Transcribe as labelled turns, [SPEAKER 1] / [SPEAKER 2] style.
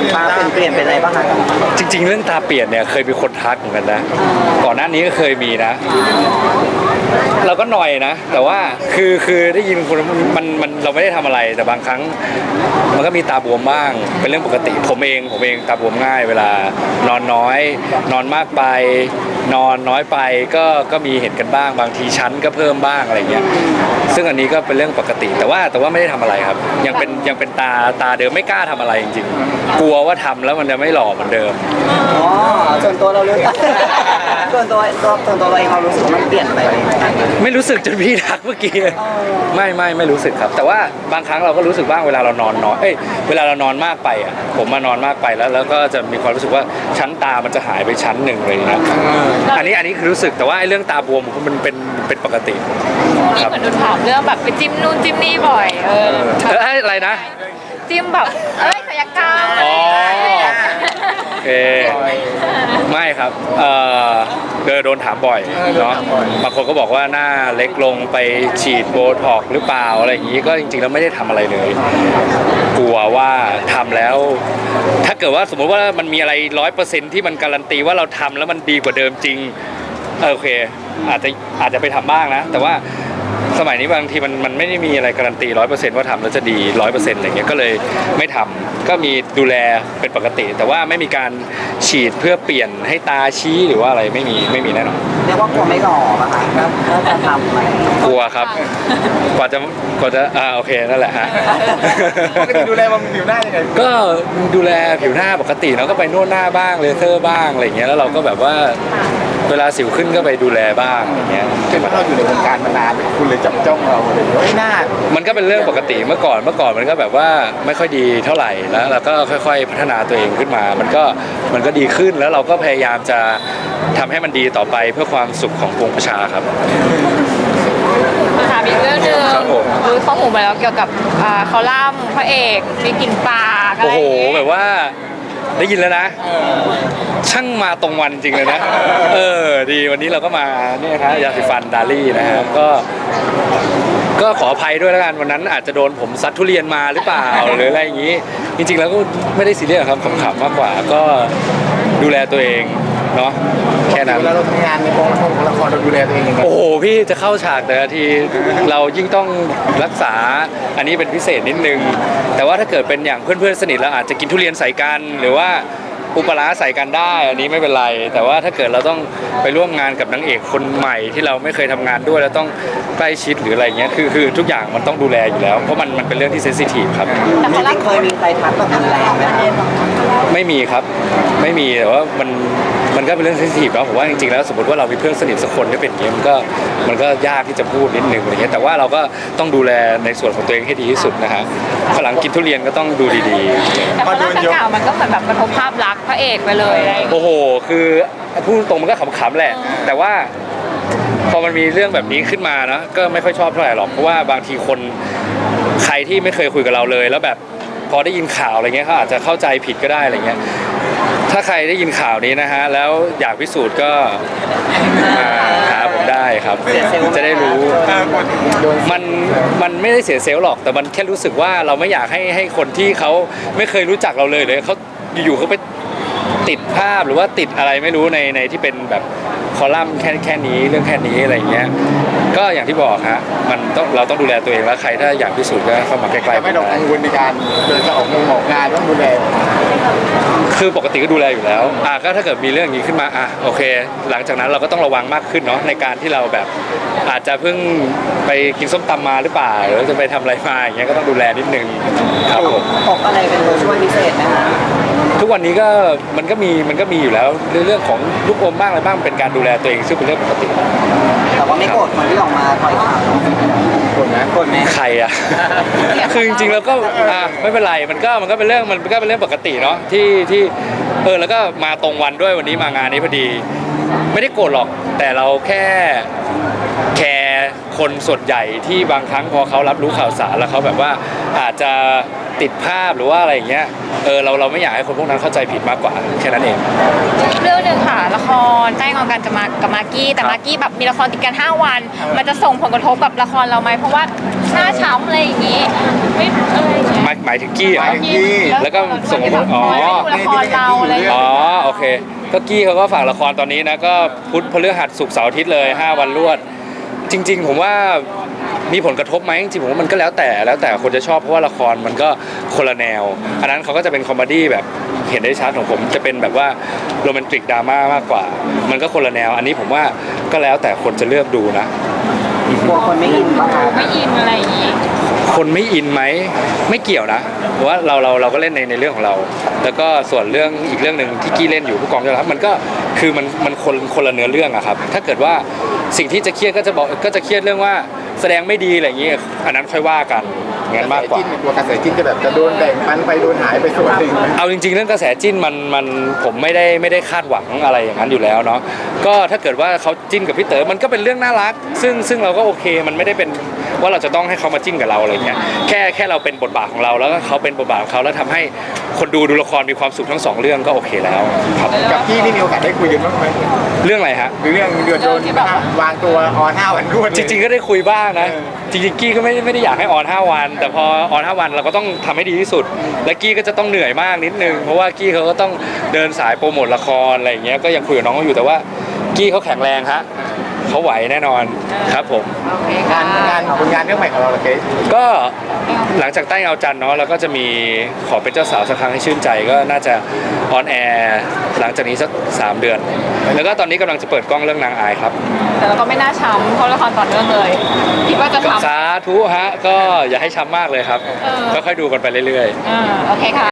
[SPEAKER 1] ตาเปลี่ยนเป็นอะไรบ้างคะ
[SPEAKER 2] จริงๆเรื่องตาเปลี่ยนเนี่ยเคยมีคนทักเหมือนกันนะก่อนหน้านี้ก็เคยมีนะเราก็หน่อยนะแต่ว่าคือได้ยินคนมันเราไม่ได้ทำอะไรแต่บางครั้งมันก็มีตาบวมบ้างเป็นเรื่องปกติผมเองตาบวมง่ายเวลานอนน้อยนอนมากไปนอนน้อยไปก็มีเห็นกันบ้างบางทีชั้นก็เพิ่มบ้างอะไรเงี้ยซึ่งอันนี้ก็เป็นเรื่องปกติแต่ว่าไม่ได้ทำอะไรครับยังเป็นตาเดิมไม่กล้าทำอะไรจริงๆกลัวว่าทำแล้วมันจะไม่หล่อเหมือนเดิม
[SPEAKER 1] อ๋อส่วนตัวเราเลยส่วนตัวเราเองเรารู้สึกว่ามันเปลี่ยนไปไหม
[SPEAKER 2] ไม่รู้สึกจนพี่ทักเมื่อกี้ไม่รู้สึกครับแต่ว่าบางครั้งเราก็รู้สึกบ้างเวลาเรานอนน้อยเวลาเรานอนมากไปอ่ะผมมานอนมากไปแล้วก็จะมีความรู้สึกว่าชั้นตามันจะหายไปชั้นหนึ่งเลยนะอันนี้คือรู้สึกแต่ว่าไอ้เรื่องตาบวมมันเป็นปกติ
[SPEAKER 3] ครับเหมือนโดนถามเรื่องแบบไปจิ้มนู่นจิ้มนี่บ่อย
[SPEAKER 2] อะไรนะ
[SPEAKER 3] จิ้มแบบศัลยกรรม
[SPEAKER 2] อ๋อโอเคไม่ครับโดนถามบ่อยเนาะบางคนก็บอกว่าหน้าเล็กลงไปฉีดโบท็อกซ์หรือเปล่าอะไรอย่างนี้ก็จริงๆแล้วไม่ได้ทำอะไรเลยกลัวว่าทำแล้วถ้าเกิดว่าสมมติว่ามันมีอะไร 100% ที่มันการันตีว่าเราทำแล้วมันดีกว่าเดิมจริงโอเคอาจจะไปทำบ้างนะแต่ว่าสมัยนี้บางทีมันไม่ได้มีอะไรการันตี 100% ว่าทำแล้วจะดี 100% อะไรเงี้ยก็เลยไม่ทำก็มีดูแลเป็นปกติแต่ว่าไม่มีการฉีดเพื่อเปลี่ยนให้ตาชี้หรือว่าอะไรไม่มีแน่นอน
[SPEAKER 1] เรียกว่ากลัวไม่หล่อป่ะคะก็จะทำอะไร
[SPEAKER 2] กลัวครับกว่าจะโอเคนั่นแหละฮะ
[SPEAKER 4] ปกติดูแลบำรุงผิวหน้ายังไง
[SPEAKER 2] ก็ดูแลผิวหน้าปกติเนาะก็ไปนวดหน้าบ้างเลเซอร์บ้างอะไรเงี้ยแล้วเราก็แบบว่าเวลาสิวขึ้นก็ไปดูแลบ้างอย่างเงี้ย
[SPEAKER 4] เป็นเพราะเราอยู่ในวงการมานานคุณเลยจับจ้องเราเลยไม่น่า
[SPEAKER 2] มันก็เป็นเรื่องปกติเมื่อก่อนมันก็แบบว่าไม่ค่อยดีเท่าไหร่แล้วเราก็ค่อยๆพัฒนาตัวเองขึ้นมามันก็ดีขึ้นแล้วเราก็พยายามจะทำให้มันดีต่อไปเพื่อความสุขของปวงประชาครับ
[SPEAKER 3] ถามอีกเรื่องนึงรู้ข้อมูลมาแล้วเกี่ยวกับคอลัมน์พระเอกมีกลิ่นปากอะไร
[SPEAKER 2] โอ้โหแบบว่าได้ยินแล้วนะช่างมาตรงวันจริงเลยนะดีวันนี้เราก็มาเนี่ยครับยาสีฟันดาลี่นะฮะก็ขออภัยด้วยแล้วกันวันนั้นอาจจะโดนผมซัดทุเรียนมาหรือเปล่าหรืออะไรอย่างนี้จริงๆแล้วก็ไม่ได้ซีเรียสครับขำๆมากกว่าก็ดูแลตัวเองเนาะแค่นั้น
[SPEAKER 4] เวลาเราทำงานในกองละครเราดูแลตัวเองยังไง
[SPEAKER 2] โอ้โหพี่จะเข้าฉากแต่ละทีเรายิ่งต้องรักษาอันนี้เป็นพิเศษนิดนึงแต่ว่าถ้าเกิดเป็นอย่างเพื่อนๆสนิทเราอาจจะกินทุเรียนใส่กันหรือว่าอุปลาใส่กันได้อันนี้ไม่เป็นไรแต่ว่าถ้าเกิดเราต้องไปร่วมงานกับนางเอกคนใหม่ที่เราไม่เคยทำงานด้วยแล้วต้องใกล้ชิดหรืออะไรเงี้ยคือทุกอย่างมันต้องดูแลอยู่แล้วเพราะมันเป็นเรื่องที่เซนซิทีฟครับ
[SPEAKER 1] แต่จริงๆเคยมีใครทักแบบรุนแรงไหม
[SPEAKER 2] ไม่มีครับไม่มีแต่ว่ามันก็เป็นเรื่องเซนซิทีฟแล้วผมว่าจริงๆแล้วสมมติว่าเรามีเพื่อนสนิทสักคนที่เป็นอย่างนี้มันก็ยากที่จะพูดนิดนึงอะไรเงี้ยแต่ว่าเราก็ต้องดูแลในส่วนของตัวเองให้ดีที่สุดนะฮะฝรั่งกินทุเรียนก็ต้องดูดี
[SPEAKER 3] ๆแต่พอโดนข่าวมันก็เหมือนแบบกระทบภาพลักษณ์พระเอกไปเลย
[SPEAKER 2] โอ้โหคือพูดตรงมันก็ขำๆแหละแต่ว่าพอมันมีเรื่องแบบนี้ขึ้นมานะก็ไม่ค่อยชอบเท่าไหร่หรอกเพราะว่าบางทีคนใครที่ไม่เคยคุยกับเราเลยแล้วแบบพอได้ยินข่าวอะไรเงี้ยเขาอาจจะเข้าใจผิดก็ได้อะไรเงี้ยถ้าใครได้ยินข่าวนี้นะฮะแล้วอยากพิสูจน์ก็มาหาผมได้ครับจะได้รู้มันไม่ได้เสียเซลล์หรอกแต่มันแค่รู้สึกว่าเราไม่อยากให้คนที่เขาไม่เคยรู้จักเราเลยเขาอยู่ๆเขาไปติดภาพหรือว่าติดอะไรไม่รู้ในที่เป็นแบบคอลัมน์แค่นี้เรื่องแค่นี้อะไรเงี้ยก็อย่างที่บอกฮะเราต้องดูแลตัวเองแล้วใครถ้าอยากพิสูจน์ก็เข้ามาใกล้ๆ
[SPEAKER 4] ไม่ต้องกังวลในการเดินจะออกงานต้องดูแล
[SPEAKER 2] คือปกติก็ดูแลอยู่แล้วก็ถ้าเกิดมีเรื่องนี้ขึ้นมาโอเคหลังจากนั้นเราก็ต้องระวังมากขึ้นเนาะในการที่เราแบบอาจจะเพิ่งไปกินส้มตำมาหรือเปล่าหรือจะไปทำอะไรมาอย่างเงี้ยก็ต้องดูแลนิดนึงครับผม
[SPEAKER 1] ออกอะไรเป็นตัวช่วยพิเศษนะคะ
[SPEAKER 2] ทุกวันนี้ก็มันก็มีอยู่แล้วเรื่องของลูกอมบ้างอะไรบ้างเป็นการดูแลตัวเองซึ่งเป็นเรื่องปกติ
[SPEAKER 1] แต่ว่าไม่โกรธคนที่ออกมาปล่อยข่าวโกรธไหม
[SPEAKER 2] ใครอ่ะคือจริงๆแล้วก็ไม่เป็นไรมันก็เป็นเรื่องปกติเนาะที่แล้วก็มาตรงวันด้วยวันนี้มางานนี้พอดีไม่ได้โกรธหรอกแต่เราแค่แคร์คนส่วนใหญ่ที่บางครั้งพอเขารับรู้ข่าวสารแล้วเขาแบบว่าอาจจะติดภาพหรือว่าอะไรอย่างเงี้ยเราไม่อยากให้คนพวกนั้นเข้าใจผิดมากกว่าแค่นั้นเอง
[SPEAKER 3] เรื่องหนึ่งค่ะละครแจ้งเอากันจะมากับมากกี้แต่มากกี้แบบมีละครติดกัน5 วัน มันจะส่งผลกระทบกับละครเราไหมเพราะว่าหน้าช้ำอะไรอย่างงี้ไม่อะไรอย่างเงี้ย
[SPEAKER 2] หมายถึงกี้เหรอ แล้วก็ส่งผล
[SPEAKER 3] อ๋อละครเราอะไรอย่าง
[SPEAKER 2] อ๋อ
[SPEAKER 3] เงี้ย
[SPEAKER 2] โอเคก็กี้เขาก็ฝากละครตอนนี้นะก็พุธพฤหัสศุกร์เสาร์อาทิตย์เลย5 วันรวด จริง ๆ ผมว่ามีผลกระทบไหมจริงๆผมว่ามันก็แล้วแต่คนจะชอบเพราะว่าละครมันก็คนละแนว อันนั้นเขาก็จะเป็นคอมเมดี้แบบเห็นได้ชัดของผมจะเป็นแบบว่าโรแมนติกดราม่ามากกว่า มันก็คนละแนว อันนี้ผมว่าก็แล้วแต่คนจะเลือกดูนะ
[SPEAKER 1] กลัวคนไม่อินป่ะคะ
[SPEAKER 3] ไม่อินอะไรอย่างงี้
[SPEAKER 2] คนไม่อินไหมไม่เกี่ยวนะเพราะว่าเราก็เล่นในเรื่องของเรา แล้วก็ส่วนเรื่องอีกเรื่องหนึ่งที่กี้เล่นอยู่ผู้กองยอดรักมันก็คือมันคนละเนื้อเรื่องอะครับถ้าเกิดว่าสิ่งที่จะเครียดก็จะเครียดเรื่องว่าแสดงไม่ดีอะไรอย่างเงี้ยอันนั้นค่อยว่ากันงั้นมากกว่า
[SPEAKER 4] ตัวกระแสจิ้นจะแบบจะโดนแบ่งปันไปโดนหายไปส่วนหนึ่งไหม
[SPEAKER 2] เอาจริงๆเรื่องกระแสจิ้นมันผมไม่ได้คาดหวังอะไรอย่างนั้นอยู่แล้วเนาะก็ถ้าเกิดว่าเขาจิ้นกับพี่เต๋อมันก็เป็นเรื่องน่ารักซึ่งเราก็โอเคมันไม่ได้เป็นว่าเราจะต้องให้เขามาจิ้นกับเราอะไรเงี้ยแค่เราเป็นบทบาทของเราแล้วก็เขาเป็นบทบาทของเขาแล้วทำให้คนดูละครมีความสุขทั้งสองเรื่องก็โอเคแล้วครับ
[SPEAKER 4] กับพี่นี่มีโอกาสได้คุยกันบ้างไหม
[SPEAKER 2] เรื่องอะไรฮะ
[SPEAKER 4] หรือเรื่องเดือดโดนวางตัวออน5 วันรวด
[SPEAKER 2] จริงๆก็ได้คุยบ้างนะจริงๆกี้ก็ไม่ได้อยากให้ออน5 วัน แต่พอออน5 วันเราก็ต้องทำให้ดีที่สุด และกี้ก็จะต้องเหนื่อยมากนิดนึงเพราะว่ากี้เขาก็ต้องเดินสายโปรโมทละครอะไรอย่างเงี้ยก็ยังคุยกับน้องเขาอยู่แต่ว่ากี้เขาแข็งแรงฮะเขาไหวแน่นอนครับผม
[SPEAKER 3] โอเค
[SPEAKER 4] งา
[SPEAKER 3] ค่ะ
[SPEAKER 4] นผลงานเรื่องใหม่ของเราเหรอเกรซ
[SPEAKER 2] ก็หลังจากใต้เงาจันทร์เนาะแล้วก็จะมีขอเป็นเจ้าสาวสักครั้งให้ชื่นใจก็น่าจะออนแอร์หลังจากนี้สัก3 เดือน แล้วก็ตอนนี้กำลังจะเปิดกล้องเรื่องนางอายครับ
[SPEAKER 3] แต่เราก็ไม่น่าช้ำเพราะละครต่อเนื่องเลยคิดว่าจะช้ำ
[SPEAKER 2] สาธุฮะก็อย่าให้ช้ำมากเลยครับ
[SPEAKER 3] เออ
[SPEAKER 2] ค่อยๆดูกันไปเรื่อยๆ
[SPEAKER 3] โอเคค่ะ